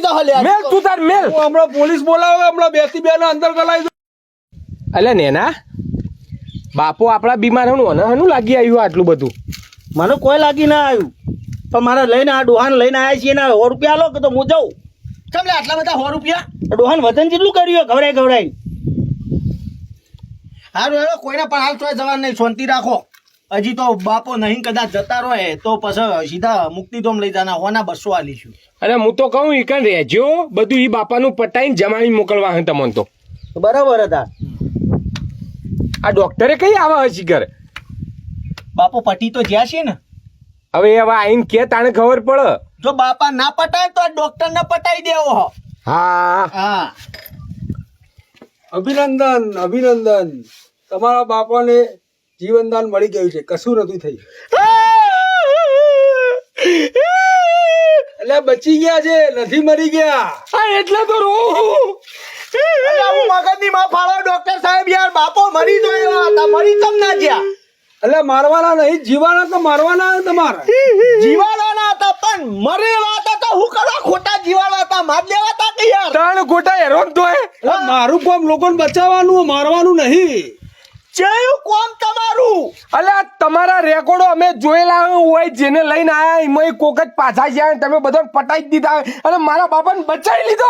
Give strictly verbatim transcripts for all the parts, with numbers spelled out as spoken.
પટી જા લે મેલ તું તાર મેલ હમણાં પોલીસ બોલાવે હમણાં બેસી બે અંદર ગલાઈ દો. અલ્યા નેના બાપો આપડા બીમાર હનું અને હનું લાગી આવ્યું આટલું બધું? મને કોઈ લાગી ના આવ્યું પણ મારે લઈને આ ડોહાન લઈને આવ્યા છીએ ને સો રૂપિયા લો કે તો હું જાઉં. કેમ લે આટલા બધા સો રૂપિયા? ડોહાન વજન જેટલું કર્યું ગવડાઈ ગવડાઈ. હારું હેલો કોઈને પણ હાલ તોય જવાનું નહીં, શાંતિ રાખો. હજી તો બાપો નહીં કદાચ જતા રહે તો પછી સીધા મુક્તિધામ લઈ જાના હોના બસો આલીશું. અરે હું તો કહું ઈકન રહેજો બધું ઈ બાપાનું પટાઈને જમાડી મોકલવા હે તમને તો. બરાબર હતા. આ ડોક્ટરે કઈ આવા હશી ઘરે? બાપો પટી તો જ્યાં છે ને. હવે હવે આઈને કે તાણે ખબર પડે. જો બાપા ના પટાય તો ડોક્ટર ને પટાઈ દેવો. હા હા અભિનંદન અભિનંદન, તમારા બાપાને જીવનદાન મળી ગયું છે, કશું નથી થયું. એટલે બચી ગયા છે, નથી મરી ગયા. હા એટલે તો રો મગજની માં ફાળો ડોક્ટર સાહેબ યાર, બાપો મરી ગયો હતા, મરી તમ ના ગયા. એટલે મારવાના નહીં, જીવાના તો મારવાના તમારે. જીવાના હતા પણ મરેલા હતા તો હું કરવા ખોટા જીવાના હતા, માર દેવા હતા કે યાર. ત્રણ ખોટા હેરોન તો હે. એટલે મારું કામ લોકોને બચાવવાનું, મારવાનું નહીં. ચેયું કોમ તમારું? અલ્યા તમારા રેકોર્ડો અમે જોયેલા હોય, જેને લઈને આયા એમાં કોક જ પાછા ગયા, તમે બધાને પટાઈ જ દીધા અને મારા બાપાને બચાવી લીધો.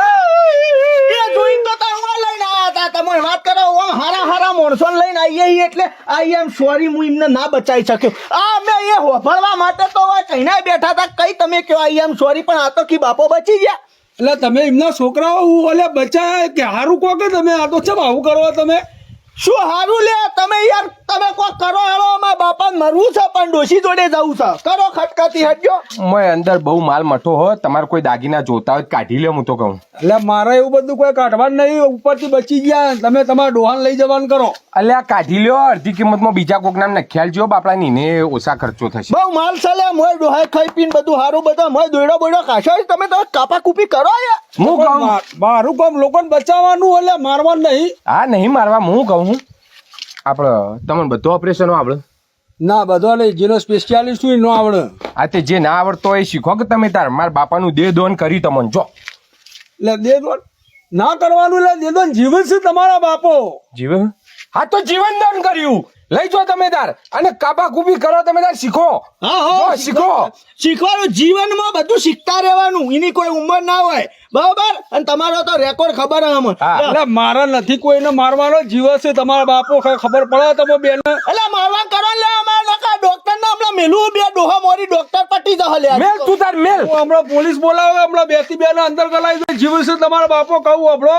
એ જોઈને તો તમે લઈને આયા હતા, તમે વાત કરો ઓમ હારા હારા માણસોને લઈને આવીએ એટલે આઈ એમ સોરી હું એમને ના બચાવી શક્યો. આ અમે એ હોભળવા માટે તો કહીને બેઠા હતા, કઈ તમે કયો આઈ એમ સોરી, પણ આ તો કી બાપો બચી ગયા. એટલે તમે એમના છોકરાઓ ઓલે બચાય કે હારું કહો કે તમે આ તો ચમ આવું કરો તમે? શું હારું લે તમે યાર, તમે કોઈ કરો હેળો, અમારા બાપાને મરવું છે પણ ડોશી જોડે જવું છે, કરો ખટકાતી હટજો. મોય અંદર બહુ માલ મઠો હો, તમારે કોઈ દાગીના જોતા હોય કાઢી લે, હું તો કહું. એટલે મારે એવું બધું કોઈ કાઢવાનું નહીં, ઉપરથી બચી ગયા તમે તમારા ડોહાન લઈ જવાનું કરો. અલ્યા કાઢી લ્યો, અડધી કિંમતમાં બીજા કોક નામ નખ્યાલ જો બાપડા નીને ઓછા ખર્ચો થશે. બહુ માલ છે લે, મોય ડોહાય ખાઈ પીને બધું હારું બધું મોય દોડો બોડો કાશો, તમે તો કાપા કૂપી કરો યાર. હું કહું મારું કામ લોકોને બચાવવાનું, એટલે મારવાનું નહીં. હા નહીં મારવા, હું કહું આપડે તમને બધું ઓપરેશનો આવડે? ના બધો નહીં, જેનો સ્પેશિયાલિસ્ટ હોય નો આવડે. આ તે જે ના આવડતો હોય એ શીખો કે તમે તાર મારા બાપાનું દેહ દોન કરી તમને જો. એટલે દેદોન ના કરવાનું, એટલે દેદોન જીવન છે તમારા બાપો. જીવન? હા તો જીવન દાન કર્યું, લઈ જો તમે તાર અને કાપા કૂપી કરો તમે તાર શીખો. હા હા શીખો શીખવાનું, જીવનમાં બધું શીખતા રહેવાનું, એની કોઈ ઉંમર ના હોય બરાબર. અને તમારો તો રેકોર્ડ ખબર હમ. એટલે મારા નથી કોઈને મારવાનો, જીવ છે તમારા બાપો, ખબર પડે તમે બેન. એટલે મારવા કરો લે, અમારા ડોક્ટર ને હમણાં મેલું બે ડોહા મોરી ડોક્ટર પટી જશે લે. મેલ તું તાર મેલ. હમણાં પોલીસ બોલાવે, હમણાં બેસી બે અંદર ગલાઈ દો, જીવ છે તમારા બાપો, કહું આપણો.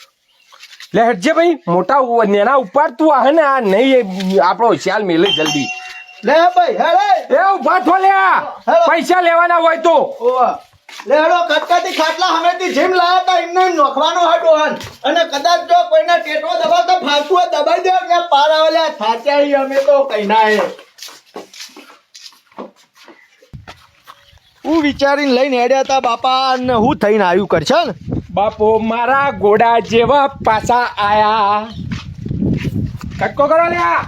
લે હટજે ભાઈ, મોટા નેના ઉપર તું આ ને આ નહીં આપણો શ્યાલ મેલે જલ્દી. લે ભાઈ હેડે એ ઉભા થો લે, પૈસા લેવાના હોય તો. લે હેડો, કટકાતી ખાટલા હમેથી જીમ લાયા તા એમને નોખવાનો હે ડોહન, અને કદાચ જો કોઈને ટેટો દબાવ તો ફાલતુ દબાઈ દે કે પાર આવેલા થાચ્યા અમે તો કઈ ના હે. હું વિચારીને લઈને હેડ્યા તા બાપા, ને હું થઈને આવ્યું કરશે ને. બાપો મારા ઘોડા જેવા પાછા આયા. કટકો કરો લ્યા,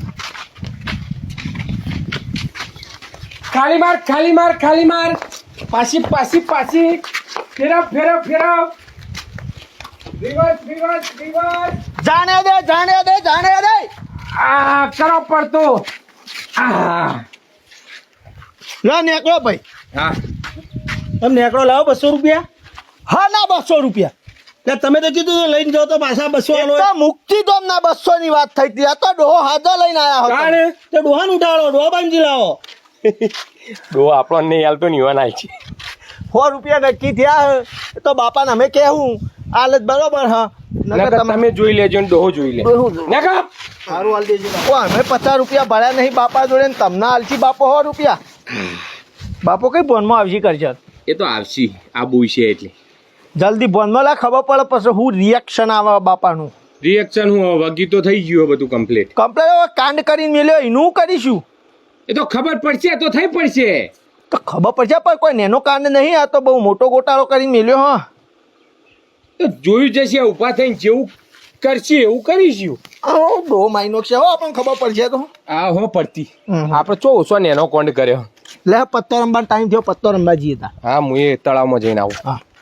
ખાલી માર ખાલી માર ખાલી માર, પાછી પાછી પાછી, ફેરવ ફેરવ ફેરવ, રિવર્સ રિવર્સ રિવર્સ. જાણે દે જાણે દે જાણે દે. આ કરો પડતો. આ ના નેકળો ભાઈ. હા તમે નેકડો લાવો બસો રૂપિયા. હા ના બસો રૂપિયા. એટલે તમે તો કીધું લઈને જાઓ તો પાછા બસો આલો. તો મુક્તિધામ ના બસો ની વાત થઈ હતી, આ તો ડોહો હાજો લઈને આયા હતા. કાણે તો ડોહાન ઉઠાડો, ડોહા બાંધી લાવો. ડો આપણો નહીં હાલતો નિવાન આય છે. સો રૂપિયા નક્કી થયા તો બાપાને અમે કહેવું હાલત બરોબર. હા નકર તમે જોઈ લેજો ને ડોહો જોઈ લે. નકર સારું હાલ દેજો. અમે પચાસ રૂપિયા ભર્યા નહીં બાપા જોડે, ને તમને હાલશી બાપો સો રૂપિયા. બાપો કઈ ફોનમાં આવશી કરશે? એ તો આવશી, આ બુઈ છે એટલે જલ્દી ફોનમાં લા, ખબર પડે પછી હું રિએક્શન આવે બાપાનું. રિએક્શન હું વગી તો થઈ ગયું બધું કમ્પ્લીટ. કમ્પ્લેટ કાંડ કરીને મેલ્યો એનું કરીશું. એ તો ખબર પડશે તો થઈ પડશે. તો ખબર પડશે પણ કોઈ નેનો કાંડ નહીં, આ તો બહુ મોટો ગોટાળો કરીને મેલ્યો. હા તો જોયું જશે, ઉભા થઈને જેવું કરશે એવું કરીશું. ડો માઇનો છે હો, આપણને ખબર પડશે તો. આ હો પડતી આપણે ચો ઓછો નેનો કોન્ડ કર્યો. લે પત્તો રમવાનો ટાઈમ થયો, પત્તો રમવા જઈએ તા. હા હું એ તળાવમાં જઈને આવું. હા